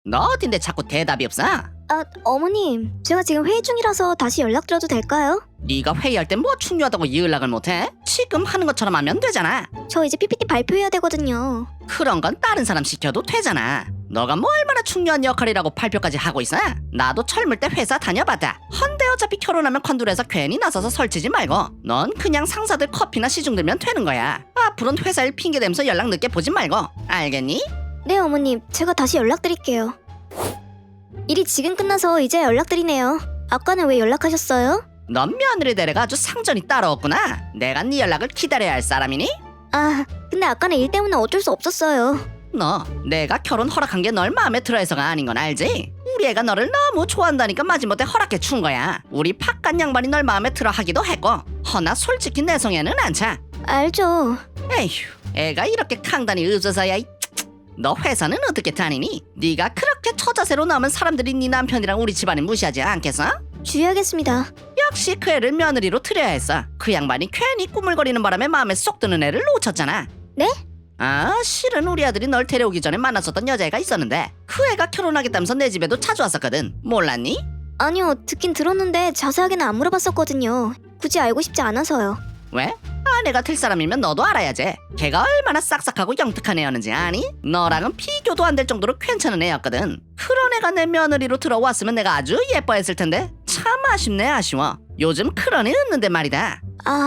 너 어딘데 자꾸 대답이 없어? 어머님, 제가 지금 회의 중이라서 다시 연락드려도 될까요? 네가 회의할 때 뭐 중요하다고 연락을 못해? 지금 하는 것처럼 하면 되잖아. 저 이제 PPT 발표해야 되거든요. 그런 건 다른 사람 시켜도 되잖아. 너가 뭐 얼마나 중요한 역할이라고 발표까지 하고 있어? 나도 젊을 때 회사 다녀봤다. 헌데 어차피 결혼하면 컨둘에서 괜히 나서서 설치지 말고 넌 그냥 상사들 커피나 시중 들면 되는 거야. 앞으로는 회사 일 핑계대면서 연락 늦게 보지 말고. 알겠니? 네, 어머님, 제가 다시 연락드릴게요. 일이 지금 끝나서 이제 연락드리네요. 아까는 왜 연락하셨어요? 넌 며느리 데려가 아주 상전이 따로 없구나. 내가 네 연락을 기다려야 할 사람이니? 근데 아까는 일 때문에 어쩔 수 없었어요. 너 내가 결혼 허락한 게 널 마음에 들어해서가 아닌 건 알지? 우리 애가 너를 너무 좋아한다니까 마지못해 허락해 준 거야. 우리 팍간 양반이 널 마음에 들어 하기도 했고 허나 솔직히 내 성에는 안 차. 알죠. 에휴, 애가 이렇게 강단이 없어서야. 너 회사는 어떻게 다니니? 네가 그렇게 처자세로 나오면 사람들이 네 남편이랑 우리 집안을 무시하지 않겠어? 주의하겠습니다. 역시 그 애를 며느리로 들여야 했어. 그 양반이 괜히 꾸물거리는 바람에 마음에 쏙 드는 애를 놓쳤잖아. 네? 실은 우리 아들이 널 데려오기 전에 만났었던 여자애가 있었는데 그 애가 결혼하겠다면서 내 집에도 자주 왔었거든. 몰랐니? 아니요, 듣긴 들었는데 자세하게는 안 물어봤었거든요. 굳이 알고 싶지 않아서요. 왜? 아내가 될 사람이면 너도 알아야지. 걔가 얼마나 싹싹하고 영특한 애였는지 아니? 너랑은 비교도 안 될 정도로 괜찮은 애였거든. 그런 애가 내 며느리로 들어왔으면 내가 아주 예뻐했을 텐데 참 아쉽네. 아쉬워. 요즘 그런 애 없는데 말이다.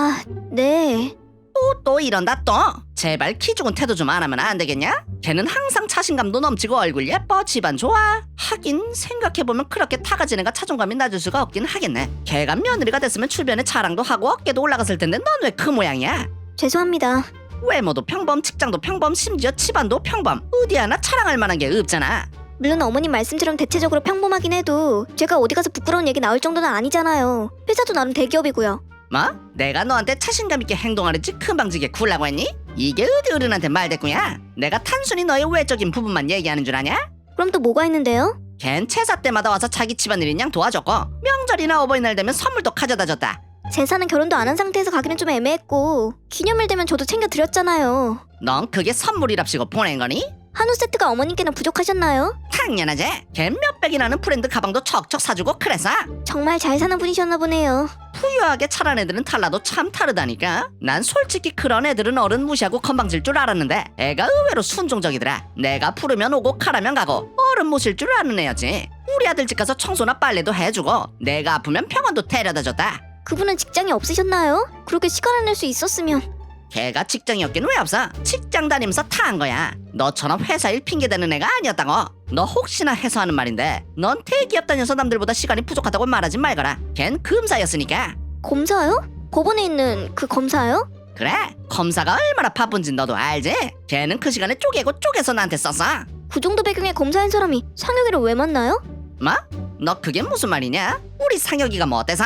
네. 또 이런다 또. 제발 키 죽은 태도 좀 안 하면 안 되겠냐? 걔는 항상 자신감도 넘치고 얼굴 예뻐 집안 좋아. 하긴 생각해보면 그렇게 타가진 애가 자존감이 낮을 수가 없긴 하겠네. 걔가 며느리가 됐으면 주변에 자랑도 하고 어깨도 올라갔을 텐데 넌 왜 그 모양이야? 죄송합니다. 외모도 평범, 직장도 평범, 심지어 집안도 평범. 어디 하나 자랑할 만한 게 없잖아. 물론 어머님 말씀처럼 대체적으로 평범하긴 해도 제가 어디 가서 부끄러운 얘기 나올 정도는 아니잖아요. 회사도 나름 대기업이고요. 뭐? 내가 너한테 자신감 있게 행동하랬지 금방지게 굴라고 했니? 이게 어디 어른한테 말대꾸냐? 내가 단순히 너의 외적인 부분만 얘기하는 줄 아냐? 그럼 또 뭐가 있는데요? 걘 제사 때마다 와서 자기 집안일인 양 도와줬고 명절이나 어버이날 되면 선물도 가져다 줬다. 제사는 결혼도 안 한 상태에서 가기는 좀 애매했고 기념일 되면 저도 챙겨드렸잖아요. 넌 그게 선물이랍시고 보낸 거니? 한우 세트가 어머님께는 부족하셨나요? 당연하지. 걔 몇백이나는 브랜드 가방도 척척 사주고 그래서. 정말 잘 사는 분이셨나 보네요. 부유하게 자란 애들은 달라도 참 다르다니까. 난 솔직히 그런 애들은 어른 무시하고 건방질 줄 알았는데 애가 의외로 순종적이더라. 내가 부르면 오고 가라면 가고 어른 모실 줄 아는 애였지. 우리 아들 집 가서 청소나 빨래도 해주고 내가 아프면 병원도 데려다 줬다. 그분은 직장이 없으셨나요? 그렇게 시간을 낼 수 있었으면. 걔가 직장이 없긴 왜 없어? 직장 다니면서 타한 거야. 너처럼 회사 일 핑계대는 애가 아니었다고. 너 혹시나 해서 하는 말인데 넌 대기업 다녀서 남들보다 시간이 부족하다고 말하지 말거라. 걘 검사였으니까. 검사요? 법원에 있는 그 검사요? 그래, 검사가 얼마나 바쁜지 너도 알지? 걔는 그 시간에 쪼개고 쪼개서 나한테 썼어. 그 정도 배경의 검사인 사람이 상혁이를 왜 만나요? 뭐? 너 그게 무슨 말이냐? 우리 상혁이가 뭐 어때서?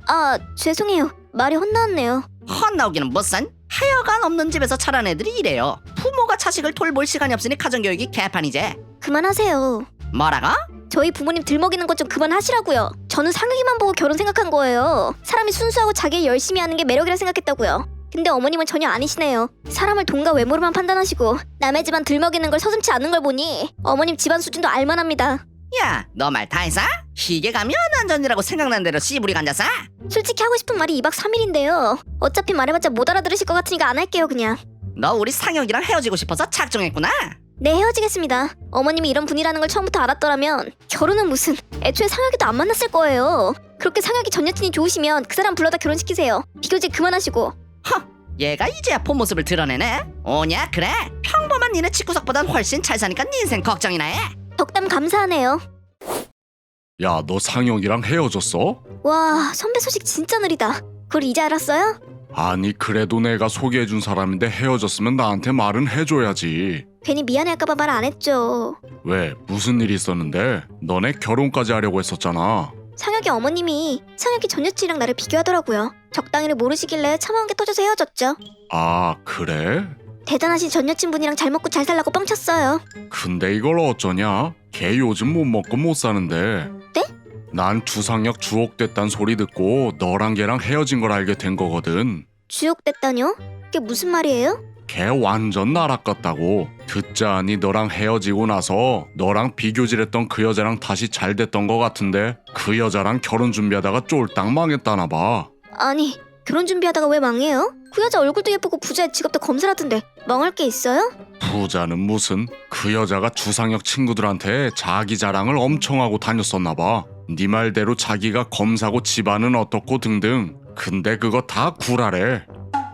죄송해요. 말이 헛나왔네요. 헛나오기는 무슨? 하여간 없는 집에서 자란 애들이 이래요. 부모가 자식을 돌볼 시간이 없으니 가정교육이 개판이지. 그만하세요. 뭐라고? 저희 부모님 들먹이는 것 좀 그만하시라고요. 저는 상혁이만 보고 결혼 생각한 거예요. 사람이 순수하고 자기 일 열심히 하는 게 매력이라 생각했다고요. 근데 어머님은 전혀 아니시네요. 사람을 돈과 외모로만 판단하시고 남의 집안 들먹이는 걸 서슴지 않는 걸 보니 어머님 집안 수준도 알만합니다. 야, 너 말 다 했어? 희게 가면 안전이라고 생각난 대로 씨부리가 앉아서? 솔직히 하고 싶은 말이 2박 3일인데요. 어차피 말해봤자 못 알아들으실 것 같으니까 안 할게요 그냥. 너 우리 상혁이랑 헤어지고 싶어서 작정했구나? 네, 헤어지겠습니다. 어머님이 이런 분이라는 걸 처음부터 알았더라면 결혼은 무슨, 애초에 상혁이도 안 만났을 거예요. 그렇게 상혁이 전 여친이 좋으시면 그 사람 불러다 결혼시키세요. 비교직 그만하시고. 얘가 이제야 본 모습을 드러내네? 오냐 그래? 평범한 니네 집구석보단 훨씬 잘 사니까 네 인생 걱정이나 해? 덕담 감사하네요. 야, 너 상혁이랑 헤어졌어? 와, 선배 소식 진짜 느리다. 그걸 이제 알았어요? 아니, 그래도 내가 소개해준 사람인데 헤어졌으면 나한테 말은 해줘야지. 괜히 미안해할까봐 말 안 했죠. 왜? 무슨 일이 있었는데? 너네 결혼까지 하려고 했었잖아. 상혁이 어머님이 상혁이 전 여친이랑 나를 비교하더라고요. 적당히를 모르시길래 참아온 게 터져서 헤어졌죠. 아, 그래? 대단하신 전 여친분이랑 잘 먹고 잘 살라고 뻥쳤어요. 근데 이걸 어쩌냐? 걔 요즘 못 먹고 못 사는데. 네? 난 주상혁 주옥됐단 소리 듣고 너랑 걔랑 헤어진 걸 알게 된 거거든. 주옥됐다뇨? 그게 무슨 말이에요? 걔 완전 나락 같다고. 듣자하니 너랑 헤어지고 나서 너랑 비교질했던 그 여자랑 다시 잘 됐던 거 같은데 그 여자랑 결혼 준비하다가 쫄딱 망했다나 봐. 아니, 결혼 준비하다가 왜 망해요? 그 여자 얼굴도 예쁘고 부자의 직업도 검사라던데 망할 게 있어요? 부자는 무슨. 그 여자가 주상혁 친구들한테 자기 자랑을 엄청 하고 다녔었나 봐. 네 말대로 자기가 검사고 집안은 어떻고 등등. 근데 그거 다 구라래.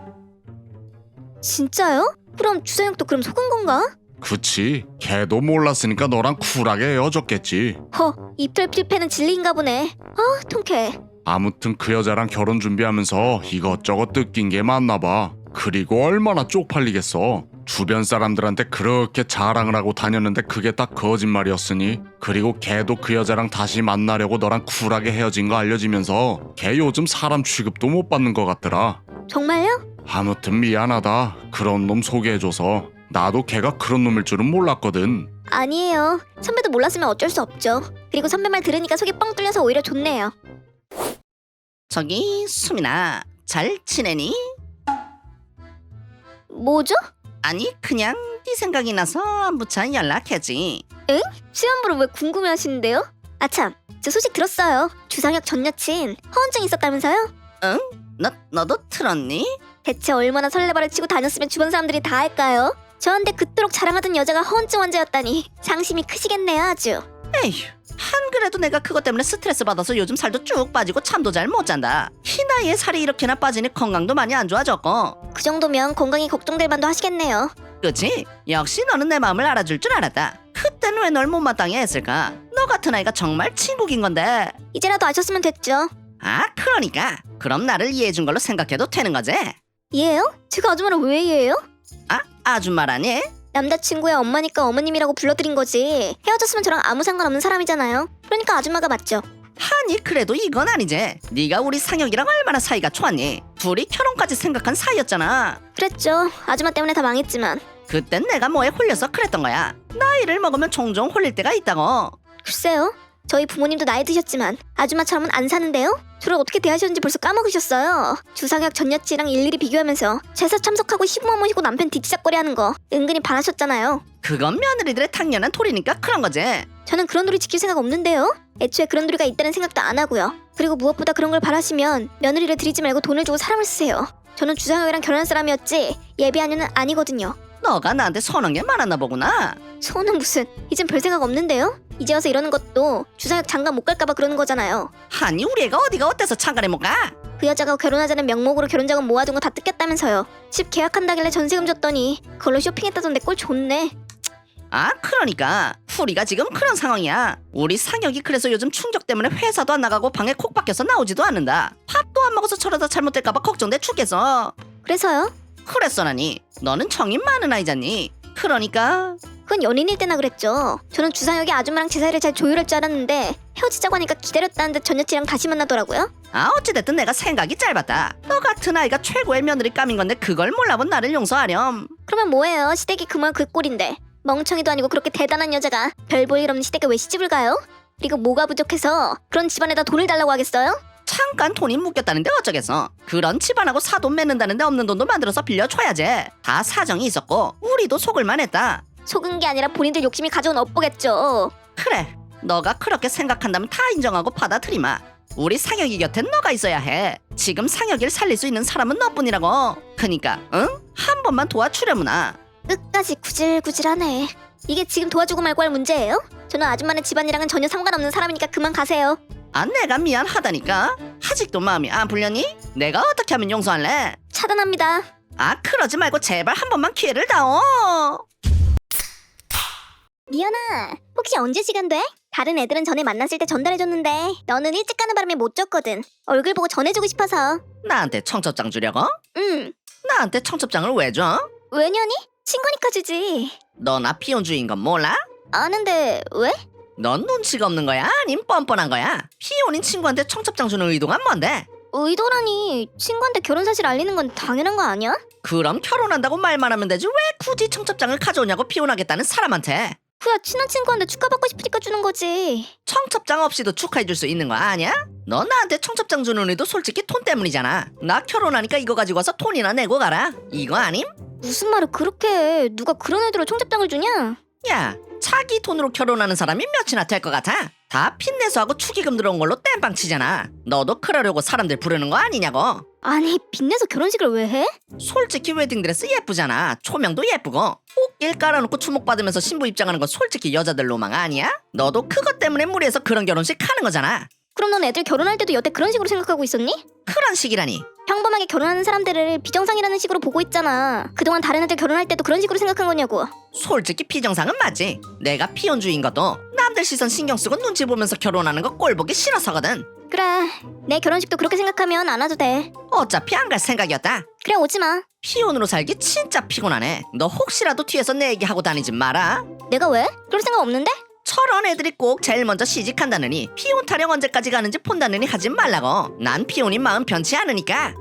진짜요? 그럼 주사형도 그럼 속은 건가? 그치, 걔도 몰랐으니까 너랑 쿨하게 헤어졌겠지. 입틀 필패는 진리인가 보네. 통쾌해. 아무튼 그 여자랑 결혼 준비하면서 이것저것 뜯긴 게 많나 봐. 그리고 얼마나 쪽팔리겠어. 주변 사람들한테 그렇게 자랑을 하고 다녔는데 그게 다 거짓말이었으니. 그리고 걔도 그 여자랑 다시 만나려고 너랑 쿨하게 헤어진 거 알려지면서 걔 요즘 사람 취급도 못 받는 것 같더라. 정말요? 아무튼 미안하다. 그런 놈 소개해줘서. 나도 걔가 그런 놈일 줄은 몰랐거든. 아니에요. 선배도 몰랐으면 어쩔 수 없죠. 그리고 선배 말 들으니까 속이 뻥 뚫려서 오히려 좋네요. 저기 수민아, 잘 지내니? 뭐죠? 아니 그냥 네 생각이 나서 안부차 연락했지. 시험보를 왜 궁금해하시는데요? 아참, 저 소식 들었어요. 주상혁 전 여친 허언증 있었다면서요? 너도 들었니? 대체 얼마나 설레발을 치고 다녔으면 주변 사람들이 다 할까요? 저한테 그토록 자랑하던 여자가 허언증 환자였다니 상심이 크시겠네요 아주. 에휴, 한 그래도 내가 그것 때문에 스트레스 받아서 요즘 살도 쭉 빠지고 잠도 잘 못 잔다. 이 나이에 살이 이렇게나 빠지니 건강도 많이 안 좋아졌고. 그 정도면 건강이 걱정될 만도 하시겠네요. 그치? 역시 너는 내 마음을 알아줄 줄 알았다. 그때는 왜 널 못마땅해 했을까? 너 같은 아이가 정말 친구인 건데. 이제라도 아셨으면 됐죠. 아, 그러니까 그럼 나를 이해해준 걸로 생각해도 되는 거지? 이해요? 제가 아줌마를 왜 이해해요? 아줌마라니? 남자친구의 엄마니까 어머님이라고 불러드린 거지. 헤어졌으면 저랑 아무 상관없는 사람이잖아요. 그러니까 아줌마가 맞죠. 아니 그래도 이건 아니지. 네가 우리 상혁이랑 얼마나 사이가 좋았니? 둘이 결혼까지 생각한 사이였잖아. 그랬죠. 아줌마 때문에 다 망했지만. 그땐 내가 뭐에 홀려서 그랬던 거야. 나이를 먹으면 종종 홀릴 때가 있다고. 글쎄요. 저희 부모님도 나이 드셨지만 아줌마처럼은 안 사는데요? 저를 어떻게 대하셨는지 벌써 까먹으셨어요. 주상혁 전 여친이랑 일일이 비교하면서 제사 참석하고 시부모 모시고 남편 뒤치작거리하는 거 은근히 반하셨잖아요. 그건 며느리들의 당연한 도리니까 그런 거지. 저는 그런 도리 지킬 생각 없는데요. 애초에 그런 도리가 있다는 생각도 안 하고요. 그리고 무엇보다 그런 걸 바라시면 며느리를 드리지 말고 돈을 주고 사람을 쓰세요. 저는 주상혁이랑 결혼한 사람이었지 예비아녀는 아니거든요. 너가 나한테 선한 게 많았나 보구나. 소는 무슨, 이젠 별 생각 없는데요? 이제 와서 이러는 것도 주상혁 장가 못 갈까봐 그러는 거잖아요. 아니 우리 애가 어디가 어때서 장가를 못 가? 그 여자가 결혼하자는 명목으로 결혼자금 모아둔 거 다 뜯겼다면서요. 집 계약한다길래 전세금 줬더니 그걸로 쇼핑했다던데 꼴 좋네. 아 그러니까 우리가 지금 그런 상황이야. 우리 상혁이 그래서 요즘 충격 때문에 회사도 안 나가고 방에 콕 박혀서 나오지도 않는다. 밥도 안 먹어서 저러다 잘못될까봐 걱정돼 죽겠어. 그래서요? 그랬어 나니. 너는 정이 많은 아이잖니. 그러니까 그건 연인일 때나 그랬죠. 저는 주상혁이 아줌마랑 제 사이를 잘 조율할 줄 알았는데 헤어지자고 하니까 기다렸다는 듯 전 여친이랑 다시 만나더라고요. 어찌됐든 내가 생각이 짧았다. 너 같은 아이가 최고의 며느리 감인 건데 그걸 몰라본 나를 용서하렴. 그러면 뭐예요? 시댁이 그만 그 꼴인데. 멍청이도 아니고 그렇게 대단한 여자가 별 볼 일 없는 시댁에 왜 시집을 가요? 그리고 뭐가 부족해서 그런 집안에다 돈을 달라고 하겠어요? 잠깐 돈이 묶였다는데 어쩌겠어. 그런 집안하고 사돈 맺는다는데 없는 돈도 만들어서 빌려줘야지. 다 사정이 있었고 우리도 속을만 했다. 속은 게 아니라 본인들 욕심이 가져온 업보겠죠. 그래, 너가 그렇게 생각한다면 다 인정하고 받아들이마. 우리 상혁이 곁엔 너가 있어야 해. 지금 상혁이를 살릴 수 있는 사람은 너뿐이라고. 그니까 응? 한 번만 도와주려무나. 끝까지 구질구질하네. 이게 지금 도와주고 말고 할 문제예요? 저는 아줌마네 집안이랑은 전혀 상관없는 사람이니까 그만 가세요. 내가 미안하다니까. 아직도 마음이 안 풀렸니? 내가 어떻게 하면 용서할래? 차단합니다. 그러지 말고 제발 한 번만 기회를 다오. 미연아, 혹시 언제 시간 돼? 다른 애들은 전에 만났을 때 전달해줬는데 너는 일찍 가는 바람에 못 줬거든. 얼굴 보고 전해주고 싶어서. 나한테 청첩장 주려고? 응. 나한테 청첩장을 왜 줘? 왜냐니? 친구니까 주지. 너 나 피혼주의인 건 몰라? 아는데 왜? 넌 눈치가 없는 거야? 아님 뻔뻔한 거야? 피혼인 친구한테 청첩장 주는 의도가 뭔데? 의도라니. 친구한테 결혼 사실 알리는 건 당연한 거 아니야? 그럼 결혼한다고 말만 하면 되지 왜 굳이 청첩장을 가져오냐고 피혼하겠다는 사람한테. 후야 친한 친구한테 축하받고 싶으니까 주는 거지. 청첩장 없이도 축하해줄 수 있는 거 아니야? 너 나한테 청첩장 주는 의도 솔직히 돈 때문이잖아. 나 결혼하니까 이거 가지고 와서 돈이나 내고 가라. 이거 아님? 무슨 말을 그렇게 해. 누가 그런 애들로 청첩장을 주냐? 야, 자기 돈으로 결혼하는 사람이 몇이나 될 것 같아? 다 빚내서하고 축의금 들어온 걸로 땜빵 치잖아. 너도 그러려고 사람들 부르는 거 아니냐고. 아니 빚내서 결혼식을 왜 해? 솔직히 웨딩드레스 예쁘잖아. 조명도 예쁘고 꽃길 깔아놓고 주목받으면서 신부 입장하는 건 솔직히 여자들 로망 아니야? 너도 그것 때문에 무리해서 그런 결혼식 하는 거잖아. 그럼 넌 애들 결혼할 때도 여태 그런 식으로 생각하고 있었니? 그런 식이라니. 평범하게 결혼하는 사람들을 비정상이라는 식으로 보고 있잖아. 그동안 다른 애들 결혼할 때도 그런 식으로 생각한 거냐고. 솔직히 비정상은 맞지. 내가 피혼주의인 것도 남들 시선 신경 쓰고 눈치 보면서 결혼하는 거 꼴 보기 싫어서거든. 그래 내 결혼식도 그렇게 생각하면 안 와도 돼. 어차피 안 갈 생각이었다. 그래 오지마. 피혼으로 살기 진짜 피곤하네. 너 혹시라도 뒤에서 내 얘기하고 다니지 마라. 내가 왜? 그럴 생각 없는데? 저런 애들이 꼭 제일 먼저 시집간다느니 피혼 타령 언제까지 가는지 본다느니 하지 말라고. 난 피혼인 마음 변치 않으니까.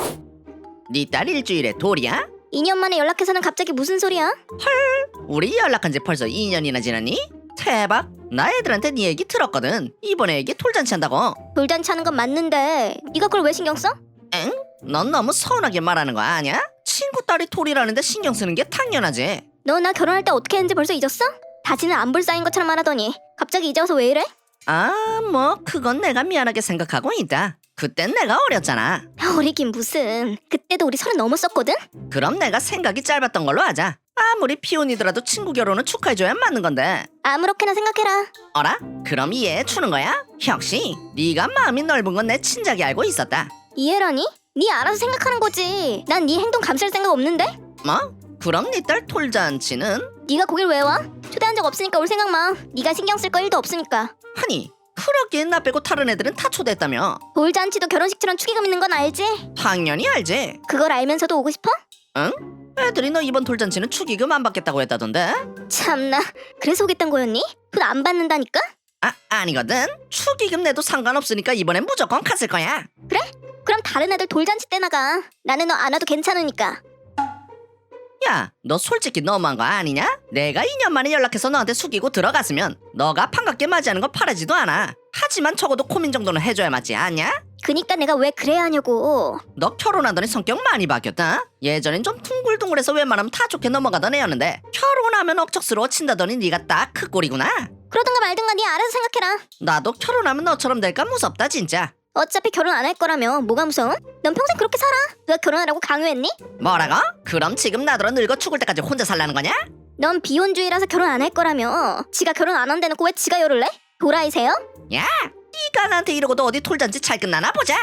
네 딸 일주일에 돌이야? 2년 만에 연락해서는 갑자기 무슨 소리야? 우리 연락한 지 벌써 2년이나 지났니? 대박. 나 애들한테 네 얘기 들었거든. 이번에 애기 돌잔치 한다고. 돌잔치 하는 건 맞는데 네가 그걸 왜 신경 써? 엥? 넌 너무 서운하게 말하는 거 아니야? 친구 딸이 돌이라는데 신경 쓰는 게 당연하지. 너 나 결혼할 때 어떻게 했는지 벌써 잊었어? 다시는 안 볼 사이인 것처럼 말하더니 갑자기 이제 와서 왜 이래? 아, 뭐 그건 내가 미안하게 생각하고 있다. 그땐 내가 어렸잖아. 어리긴 무슨. 그때도 우리 30 넘었었거든? 그럼 내가 생각이 짧았던 걸로 하자. 아무리 피혼이더라도 친구 결혼은 축하해줘야 맞는 건데. 아무렇게나 생각해라. 어라? 그럼 이해해 주는 거야? 역시 네가 마음이 넓은 건 내 친작이 알고 있었다. 이해라니? 네 알아서 생각하는 거지. 난 네 행동 감쌀 생각 없는데? 뭐? 그럼 네 딸 돌잔치는? 네가 거길 왜 와? 초대한 적 없으니까 올 생각 마. 네가 신경 쓸 거 1도 없으니까. 아니 그러기엔 나 빼고 다른 애들은 다 초대했다며. 돌잔치도 결혼식처럼 축의금 있는 건 알지? 당연히 알지. 그걸 알면서도 오고 싶어? 응? 애들이 너 이번 돌잔치는 축의금 안 받겠다고 했다던데? 참나. 그래서 오겠단 거였니? 돈 안 받는다니까? 아, 아니거든. 축의금 내도 상관없으니까 이번엔 무조건 갔을 거야. 그래? 그럼 다른 애들 돌잔치 때 나가. 나는 너 안 와도 괜찮으니까. 야, 너 솔직히 너무한 거 아니냐? 내가 2년 만에 연락해서 너한테 숙이고 들어갔으면 너가 반갑게 맞이하는 건 바라지도 않아. 하지만 적어도 고민 정도는 해줘야 맞지 않냐? 그니까 내가 왜 그래야 하냐고. 너 결혼하더니 성격 많이 바뀌었다. 예전엔 좀 둥글둥글해서 웬만하면 다 좋게 넘어가던 애였는데 결혼하면 억척스러워 친다더니 네가 딱 그 꼴이구나. 그러든가 말든가 네 알아서 생각해라. 나도 결혼하면 너처럼 될까 무섭다 진짜. 어차피 결혼 안 할 거라며 뭐가 무서워? 넌 평생 그렇게 살아. 누가 결혼하라고 강요했니? 뭐라고? 그럼 지금 나더러 늙어 죽을 때까지 혼자 살라는 거냐? 넌 비혼주의라서 결혼 안 할 거라며. 지가 결혼 안 한대놓고 왜 지가 열을래? 도라이세요? 야, 네가 나한테 이러고도 어디 돌잔치 잘 끝나나 보자.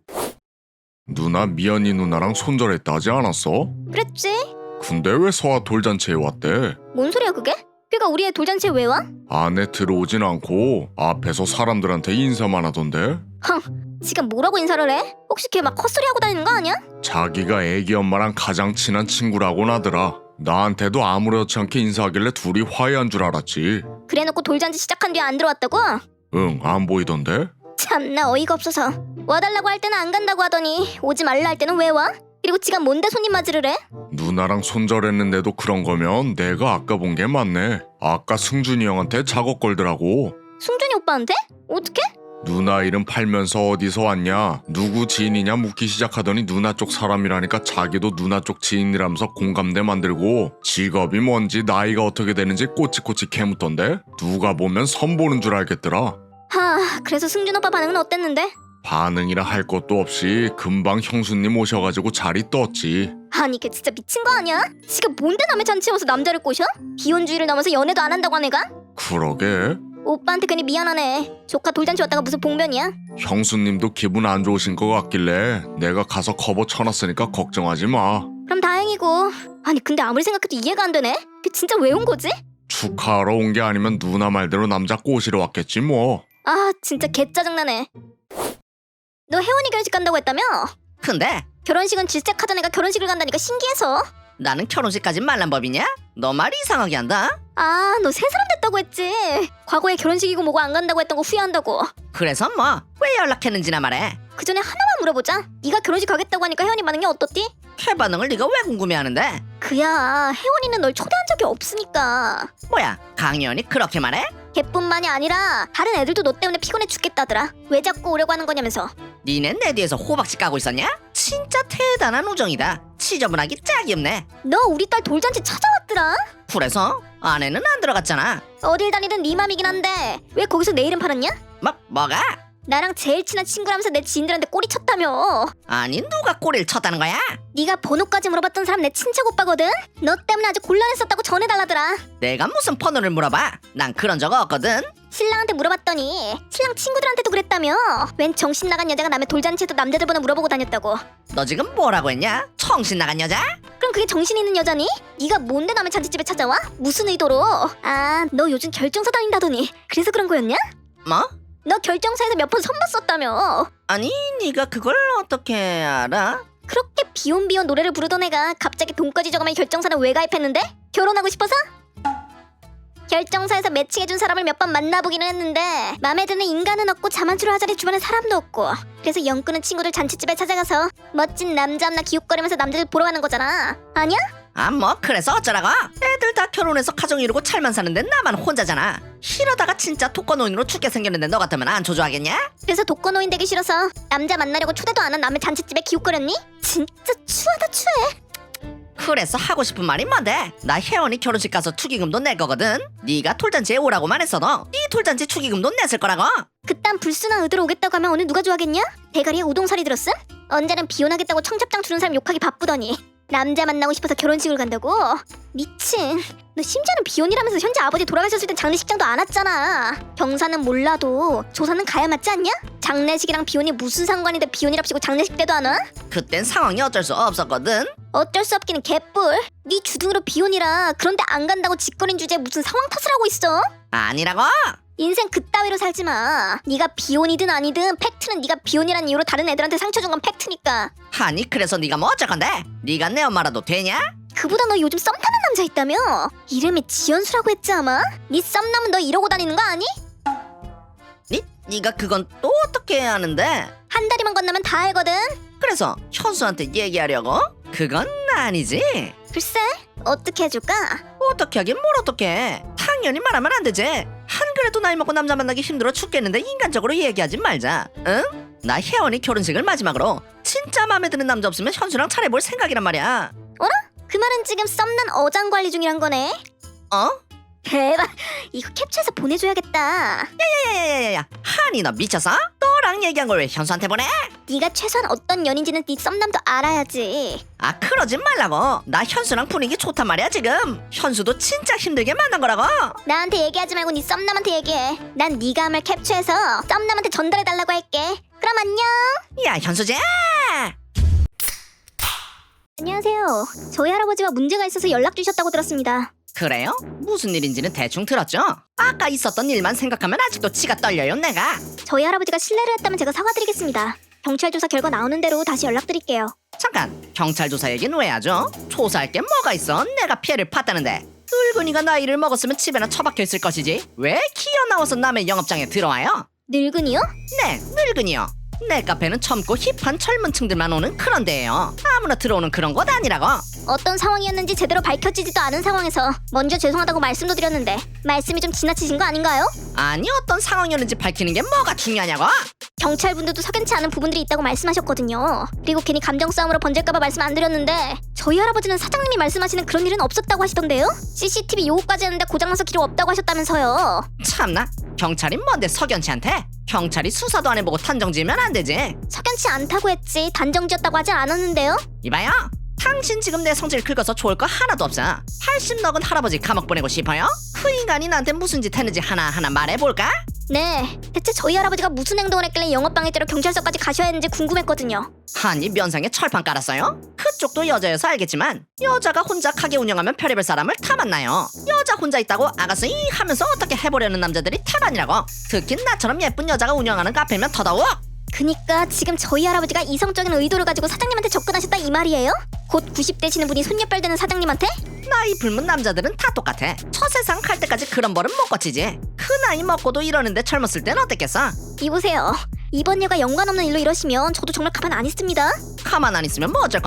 누나 미연이 누나랑 손절했다 하지 않았어? 그랬지? 근데 왜 서아 돌잔치에 왔대? 뭔 소리야 그게? 걔가 우리 애 돌잔치에 왜 와? 안에 들어오진 않고 앞에서 사람들한테 인사만 하던데? 지가 뭐라고 인사를 해? 혹시 걔 막 헛소리 하고 다니는 거 아니야? 자기가 애기 엄마랑 가장 친한 친구라고 나더라. 나한테도 아무렇지 않게 인사하길래 둘이 화해한 줄 알았지. 그래놓고 돌잔치 시작한 뒤에 안 들어왔다고? 응, 안 보이던데? 참나 어이가 없어서. 와달라고 할 때는 안 간다고 하더니 오지 말라 할 때는 왜 와? 그리고 지가 뭔데 손님 맞이를 해? 누나랑 손절했는데도 그런 거면 내가 아까 본 게 맞네. 아까 승준이 형한테 작업 걸더라고. 승준이 오빠한테? 어떻게? 누나 이름 팔면서 어디서 왔냐, 누구 지인이냐 묻기 시작하더니 누나 쪽 사람이라니까 자기도 누나 쪽 지인이라면서 공감대 만들고 직업이 뭔지 나이가 어떻게 되는지 꼬치꼬치 캐묻던데? 누가 보면 선보는 줄 알겠더라. 그래서 승준 오빠 반응은 어땠는데? 반응이라 할 것도 없이 금방 형수님 오셔가지고 자리 떴지. 아니 걔 진짜 미친 거 아니야? 지가 뭔데 남의 잔치에 와서 남자를 꼬셔? 비혼주의를 넘어서 연애도 안 한다고 한 애가? 그러게. 오빠한테 괜히 미안하네. 조카 돌잔치 왔다가 무슨 봉변이야? 형수님도 기분 안 좋으신 것 같길래 내가 가서 커버 쳐놨으니까 걱정하지 마. 그럼 다행이고. 아니 근데 아무리 생각해도 이해가 안 되네. 걔 진짜 왜 온 거지? 축하하러 온 게 아니면 누나 말대로 남자 꼬시러 왔겠지 뭐. 아 진짜 개 짜증나네. 너 혜원이 결혼식 간다고 했다며? 근데 결혼식은 질색하던 애가 결혼식을 간다니까 신기해서. 나는 결혼식까지 말란 법이냐? 너 말 이상하게 한다. 아 너 새 사람 됐다고 했지. 과거에 결혼식이고 뭐고 안 간다고 했던 거 후회한다고. 그래서 뭐 왜 연락했는지나 말해. 그 전에 하나만 물어보자. 네가 결혼식 가겠다고 하니까 혜원이 반응이 어떻디? 걔 반응을 네가 왜 궁금해하는데? 그야 혜원이는 널 초대한 적이 없으니까. 뭐야, 강희연이 그렇게 말해? 걔뿐만이 아니라 다른 애들도 너 때문에 피곤해 죽겠다더라. 왜 자꾸 오려고 하는 거냐면서. 니넨 내 뒤에서 호박씨 까고 있었냐? 진짜 대단한 우정이다. 지저분하기 짝이 없네. 너 우리 딸 돌잔치 찾아왔더라. 그래서 아내는 안 들어갔잖아. 어딜 다니든 네 맘이긴 한데 왜 거기서 내 이름 팔았냐? 뭐가? 나랑 제일 친한 친구라면서 내 지인들한테 꼬리 쳤다며. 아니 누가 꼬리를 쳤다는 거야? 네가 번호까지 물어봤던 사람 내 친척 오빠거든. 너 때문에 아주 곤란했었다고 전해달라더라. 내가 무슨 번호를 물어봐? 난 그런 적 없거든. 신랑한테 물어봤더니 신랑 친구들한테도 그랬다며. 웬 정신 나간 여자가 남의 돌잔치에도 남자들 번호 물어보고 다녔다고. 너 지금 뭐라고 했냐? 정신 나간 여자? 그럼 그게 정신 있는 여자니? 네가 뭔데 남의 잔치집에 찾아와? 무슨 의도로? 아, 너 요즘 결정사 다닌다더니 그래서 그런 거였냐? 뭐? 너 결정사에서 몇 번 선봤었다며. 아니 네가 그걸 어떻게 알아? 그렇게 비혼비혼 노래를 부르던 애가 갑자기 돈까지 적으면 결정사는 왜 가입했는데? 결혼하고 싶어서? 결정사에서 매칭해준 사람을 몇 번 만나보기는 했는데 맘에 드는 인간은 없고 자만추를 하자니 주변에 사람도 없고. 그래서 영끄는 친구들 잔치집에 찾아가서 멋진 남자 없나 기웃거리면서 남자들 보러 가는 거잖아. 아니야? 아 뭐 그래서 어쩌라고? 애들 다 결혼해서 가정 이루고 잘만 사는데 나만 혼자잖아. 이러다가 진짜 독거노인으로 죽게 생겼는데 너 같으면 안 조조하겠냐? 그래서 독거노인 되기 싫어서 남자 만나려고 초대도 안 한 남의 잔치집에 기웃거렸니? 진짜 추하다 추해. 그래서 하고 싶은 말이 뭔데? 나 혜원이 결혼식 가서 축의금도 낼 거거든. 네가 돌잔치에 오라고만 했어도 네 돌잔치 축의금도 냈을 거라고. 그딴 불순한 의도로 오겠다고 하면 어느 누가 좋아하겠냐? 대가리에 우동살이 들었음? 언제는 비혼하겠다고 청첩장 주는 사람 욕하기 바쁘더니 남자 만나고 싶어서 결혼식을 간다고? 미친. 너 심지어는 비혼이라면서 현재 아버지 돌아가셨을 땐 장례식장도 안 왔잖아. 경사는 몰라도 조사는 가야 맞지 않냐? 장례식이랑 비혼이 무슨 상관인데 비혼이랍시고 장례식 때도 안 와? 그땐 상황이 어쩔 수 없었거든. 어쩔 수 없기는 개뿔. 네 주둥으로 비혼이라 그런데 안 간다고 짓거린 주제에 무슨 상황 탓을 하고 있어? 아니라고? 인생 그따위로 살지 마. 네가 비혼이든 아니든 팩트는 네가 비혼이란 이유로 다른 애들한테 상처 준 건 팩트니까. 아니 그래서 네가 뭐 어쩔 건데? 네가 내 엄마라도 되냐? 그보다 너 요즘 썸 타는 남자 있다며? 이름이 지연수라고 했지 아마? 네 썸남은 너 이러고 다니는 거 아니? 네가 그건 또 어떻게 아는데? 한 다리만 건너면 다 알거든. 그래서 현수한테 얘기하려고? 그건 아니지. 글쎄 어떻게 해줄까? 어떻게 하긴 뭘 어떻게 해. 당연히 말하면 안 되지. 한 그래도 나이 먹고 남자 만나기 힘들어 죽겠는데 인간적으로 얘기하지 말자. 응? 나 혜원이 결혼식을 마지막으로 진짜 마음에 드는 남자 없으면 현수랑 차려볼 생각이란 말이야. 그 말은 지금 썸남 어장 관리 중이란 거네. 어? 대박. 이거 캡처해서 보내줘야겠다. 야야야야야 한이 너 미쳤어? 너랑 얘기한 걸 왜 현수한테 보내? 네가 최소한 어떤 연인지는 네 썸남도 알아야지. 아 그러지 말라고. 나 현수랑 분위기 좋단 말이야 지금. 현수도 진짜 힘들게 만난 거라고. 나한테 얘기하지 말고 네 썸남한테 얘기해. 난 네가 한 말 캡처해서 썸남한테 전달해달라고 할게. 그럼 안녕. 야 현수지. 안녕하세요. 저희 할아버지와 문제가 있어서 연락 주셨다고 들었습니다. 그래요? 무슨 일인지는 대충 들었죠? 아까 있었던 일만 생각하면 아직도 치가 떨려요 내가. 저희 할아버지가 실례를 했다면 제가 사과드리겠습니다. 경찰 조사 결과 나오는 대로 다시 연락드릴게요. 잠깐 경찰 조사 얘기는 왜 하죠? 조사할 게 뭐가 있어? 내가 피해를 봤다는데. 늙은이가 나이를 먹었으면 집에나 처박혀 있을 것이지 왜 기어 나와서 남의 영업장에 들어와요? 늙은이요? 네 늙은이요. 내 카페는 젊고 힙한 젊은 층들만 오는 그런 데예요. 아무나 들어오는 그런 곳 아니라고. 어떤 상황이었는지 제대로 밝혀지지도 않은 상황에서 먼저 죄송하다고 말씀도 드렸는데 말씀이 좀 지나치신 거 아닌가요? 아니 어떤 상황이었는지 밝히는 게 뭐가 중요하냐고? 경찰분들도 석연치 않은 부분들이 있다고 말씀하셨거든요. 그리고 괜히 감정 싸움으로 번질까봐 말씀 안 드렸는데 저희 할아버지는 사장님이 말씀하시는 그런 일은 없었다고 하시던데요? CCTV 요구까지 했는데 고장나서 기록 없다고 하셨다면서요. 참나 경찰이 뭔데 석연치 않대? 경찰이 수사도 안 해보고 단정 지으면 안 되지. 석연치 않다고 했지 단정지었다고 하지 않았는데요? 이봐요. 당신 지금 내 성질 긁어서 좋을 거 하나도 없어. 80 먹은 할아버지 감옥 보내고 싶어요? 그 인간이 나한테 무슨 짓 했는지 하나하나 말해볼까? 네, 대체 저희 할아버지가 무슨 행동을 했길래 영업방해죄로 경찰서까지 가셔야 했는지 궁금했거든요. 아니 면상에 철판 깔았어요? 그쪽도 여자여서 알겠지만 여자가 혼자 가게 운영하면 별의별 사람을 다 만나요. 여자 혼자 있다고 아가씨 하면서 어떻게 해보려는 남자들이 태반이라고. 특히 나처럼 예쁜 여자가 운영하는 카페면 더더욱. 그니까 지금 저희 할아버지가 이성적인 의도를 가지고 사장님한테 접근하셨다 이 말이에요? 곧 90 되시는 분이 손녀뻘 되는 사장님한테? 나이 불문 남자들은 다 똑같아. 처세상 갈 때까지 그런 벌은 못 거치지. 그 나이 먹고도 이러는데 젊었을 땐 어땠겠어? 이보세요. 이번 여가 연관 없는 일로 이러시면 저도 정말 가만 안 있습니다. 가만 안 있으면 뭐 어쩔 건데?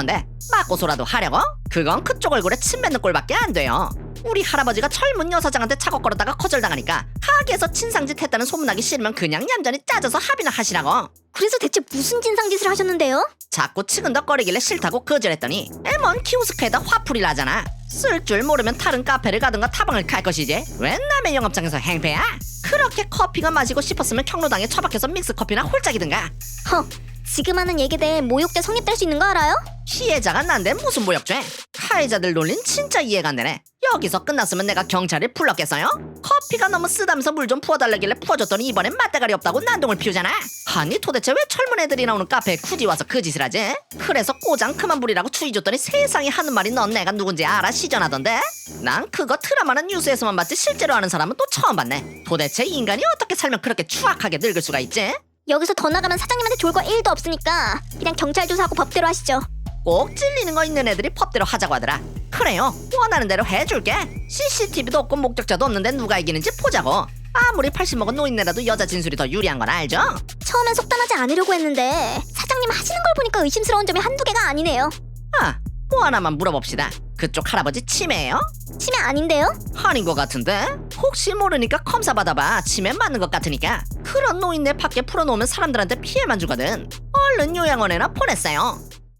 맞고소라도 하려고? 그건 그쪽 얼굴에 침 뱉는 꼴밖에 안 돼요. 우리 할아버지가 젊은 여사장한테 차고 걸었다가 거절당하니까 가게에서 진상짓 했다는 소문나기 싫으면 그냥 얌전히 짜져서 합의나 하시라고. 그래서 대체 무슨 진상짓을 하셨는데요? 자꾸 치근덕거리길래 싫다고 거절했더니 뭔 키오스크에다 화풀이를 하잖아. 쓸 줄 모르면 다른 카페를 가든가 타방을 갈 것이지 웬 남의 영업장에서 행패야? 그렇게 커피가 마시고 싶었으면 경로당에 처박혀서 믹스커피나 홀짝이든가. 허, 지금 하는 얘기들 모욕죄 성립될 수 있는 거 알아요? 피해자가 난데 무슨 모욕죄? 가해자들 논린 진짜 이해가 안 되네. 여기서 끝났으면 내가 경찰을 불렀겠어요? 커피가 너무 쓰다면서 물 좀 부어달라길래 부어줬더니 이번엔 맞대가리 없다고 난동을 피우잖아. 아니 도대체 왜 젊은 애들이 나오는 카페에 굳이 와서 그 짓을 하지? 그래서 꼬장 그만 부리라고 추위 줬더니 세상에 하는 말이 넌 내가 누군지 알아 시전하던데? 난 그거 드라마나 뉴스에서만 봤지 실제로 아는 사람은 또 처음 봤네. 도대체 인간이 어떻게 살면 그렇게 추악하게 늙을 수가 있지? 여기서 더 나가면 사장님한테 좋을 거 1도 없으니까 그냥 경찰 조사하고 법대로 하시죠. 꼭 찔리는 거 있는 애들이 법대로 하자고 하더라. 그래요, 원하는 대로 해줄게. CCTV도 없고 목격자도 없는데 누가 이기는지 보자고. 아무리 80 먹은 노인네라도 여자 진술이 더 유리한 건 알죠? 처음엔 속단하지 않으려고 했는데 사장님 하시는 걸 보니까 의심스러운 점이 한두 개가 아니네요. 뭐 하나만 물어봅시다. 그쪽 할아버지 치매예요? 치매 아닌데요? 아닌 것 같은데? 혹시 모르니까 검사 받아봐. 치매 맞는 것 같으니까. 그런 노인네 밖에 풀어놓으면 사람들한테 피해만 주거든. 얼른 요양원에나 보냈어요.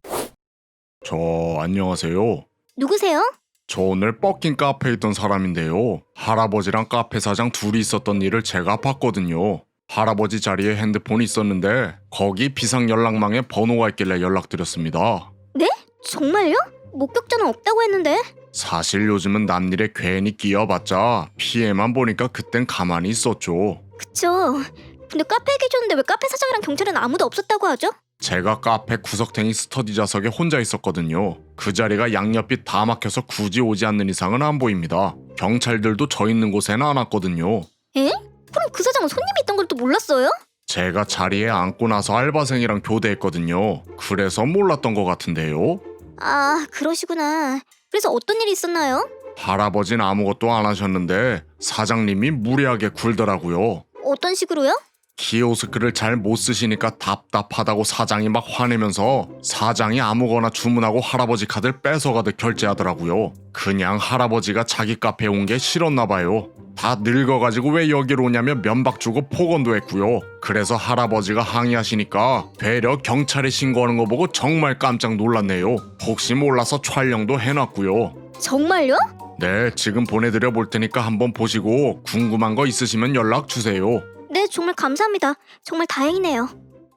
저 안녕하세요. 누구세요? 저 오늘 뻑긴 카페에 있던 사람인데요. 할아버지랑 카페 사장 둘이 있었던 일을 제가 봤거든요. 할아버지 자리에 핸드폰이 있었는데 거기 비상 연락망에 번호가 있길래 연락드렸습니다. 네? 정말요? 목격자는 없다고 했는데. 사실 요즘은 남일에 괜히 끼어봤자 피해만 보니까 그땐 가만히 있었죠. 그쵸. 근데 카페에 계셨는데 왜 카페 사장이랑 경찰은 아무도 없었다고 하죠? 제가 카페 구석탱이 스터디 좌석에 혼자 있었거든요. 그 자리가 양옆이 다 막혀서 굳이 오지 않는 이상은 안 보입니다. 경찰들도 저 있는 곳에는 안 왔거든요. 에? 그럼 그 사장은 손님이 있던 걸 또 몰랐어요? 제가 자리에 앉고 나서 알바생이랑 교대했거든요. 그래서 몰랐던 것 같은데요. 아, 그러시구나. 그래서 어떤 일이 있었나요? 할아버지는 아무것도 안 하셨는데 사장님이 무례하게 굴더라고요. 어떤 식으로요? 키오스크를 잘 못 쓰시니까 답답하다고 사장이 막 화내면서 사장이 아무거나 주문하고 할아버지 카드를 뺏어가듯 결제하더라고요. 그냥 할아버지가 자기 카페에 온 게 싫었나 봐요. 다 늙어가지고 왜 여기로 오냐며 면박 주고 폭언도 했고요. 그래서 할아버지가 항의하시니까 되려 경찰에 신고하는 거 보고 정말 깜짝 놀랐네요. 혹시 몰라서 촬영도 해놨고요. 정말요? 네, 지금 보내드려 볼 테니까 한번 보시고 궁금한 거 있으시면 연락 주세요. 네, 정말 감사합니다. 정말 다행이네요.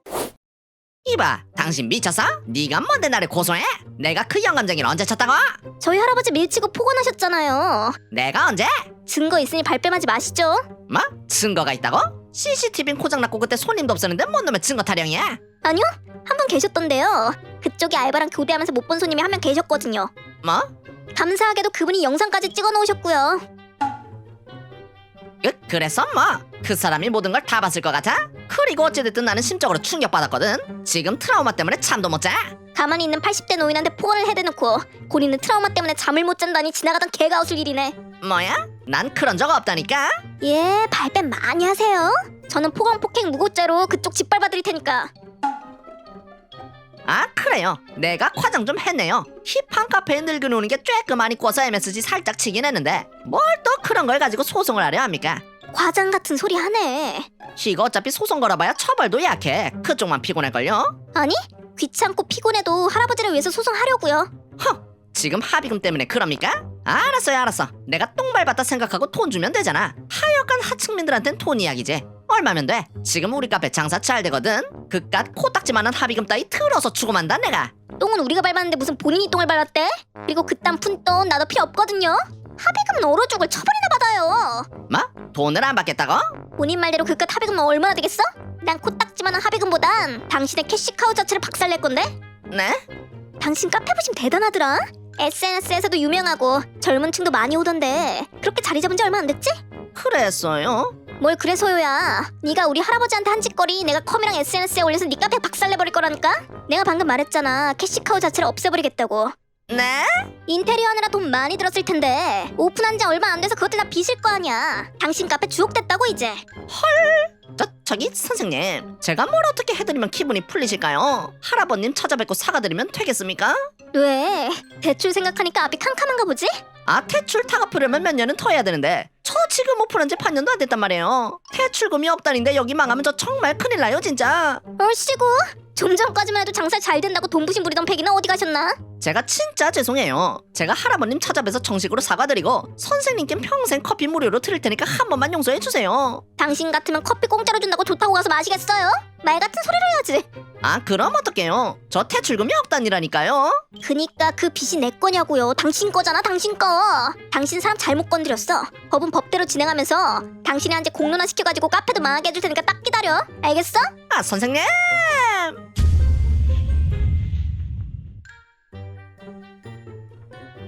이봐, 당신 미쳤어? 네가 뭔데 나를 고소해? 내가 그 영감쟁이를 언제 쳤다고? 저희 할아버지 밀치고 폭언하셨잖아요. 내가 언제? 증거 있으니 발뺌하지 마시죠. 뭐? 증거가 있다고? CCTV는 고장났고 그때 손님도 없었는데 뭔 놈의 증거 타령이야? 아니요, 한 분 계셨던데요. 그쪽에 알바랑 교대하면서 못 본 손님이 한 명 계셨거든요. 뭐? 감사하게도 그분이 영상까지 찍어 놓으셨고요. 그래서 뭐? 그 사람이 모든 걸 다 봤을 것 같아? 그리고 어찌됐든 나는 심적으로 충격받았거든. 지금 트라우마 때문에 잠도 못 자. 가만히 있는 80대 노인한테 폭언을 해대놓고 본인은 트라우마 때문에 잠을 못 잔다니 지나가던 개가 웃을 일이네. 뭐야? 난 그런 적 없다니까. 예, 발뺌 많이 하세요. 저는 폭언 폭행 무고죄로 그쪽 짓밟아 드릴 테니까. 아 그래요. 내가 과장 좀 했네요. 힙한 카페에 늙은 오는 게 쬐끔 많이 꿔서 MSG 살짝 치긴 했는데 뭘 또 그런 걸 가지고 소송을 하려 합니까? 과장 같은 소리 하네. 이거 어차피 소송 걸어봐야 처벌도 약해. 그쪽만 피곤할걸요? 아니, 귀찮고 피곤해도 할아버지를 위해서 소송하려고요. 지금 합의금 때문에 그럽니까? 알았어요 알았어. 내가 똥 밟았다 생각하고 돈 주면 되잖아. 하여간 하층민들한텐 돈 이야기지. 얼마면 돼? 지금 우리 카페 장사 잘 되거든. 그깟 코딱지만한 합의금 따위 들어서 주고 만다 내가. 똥은 우리가 밟았는데 무슨 본인이 똥을 밟았대? 그리고 그딴 푼돈 나도 필요 없거든요. 합의금은 얼어 죽을 처벌이나 받아요. 뭐? 돈을 안 받겠다고? 본인 말대로 그깟 합의금은 얼마나 되겠어? 난 코딱지만한 합의금보단 당신의 캐시카우 자체를 박살낼 건데? 네? 당신 카페 보시면 대단하더라. SNS에서도 유명하고 젊은 층도 많이 오던데 그렇게 자리 잡은 지 얼마 안 됐지? 그랬어요? 뭘 그래서요야. 네가 우리 할아버지한테 한 짓거리 내가 컴이랑 SNS에 올려서 네 카페 박살내버릴 거라니까? 내가 방금 말했잖아. 캐시카우 자체를 없애버리겠다고. 네? 인테리어 하느라 돈 많이 들었을 텐데 오픈한 지 얼마 안 돼서 그것들 다 빚일 거 아니야. 당신 카페 주옥됐다고 이제. 저기 선생님, 제가 뭘 어떻게 해드리면 기분이 풀리실까요? 할아버님 찾아뵙고 사과드리면 되겠습니까? 왜? 대출 생각하니까 앞이 캄캄한가 보지? 아, 대출 다 갚으려면 몇 년은 더 해야 되는데 저 지금 오픈한 지 반년도 안 됐단 말이에요. 대출금이 없다는데 여기 망하면 저 정말 큰일 나요 진짜. 얼씨구, 좀 전까지만 해도 장사 잘 된다고 돈 부심 부리던 패기는 어디 가셨나? 제가 진짜 죄송해요. 제가 할아버님 찾아뵈서 정식으로 사과드리고 선생님께 평생 커피 무료로 드릴 테니까 한 번만 용서해 주세요. 당신 같으면 커피 공짜로 준다고 좋다고 가서 마시겠어요? 말 같은 소리를 해야지. 아, 그럼 어떡해요? 저 대출금이 없다니라니까요. 그니까 그 빚이 내 거냐고요. 당신 거잖아, 당신 거. 당신 사람 잘못 건드렸어. 법은 법대로 진행하면서 당신이 한테 공론화 시켜가지고 카페도 망하게 해줄 테니까 딱 기다려. 알겠어? 아, 선생님!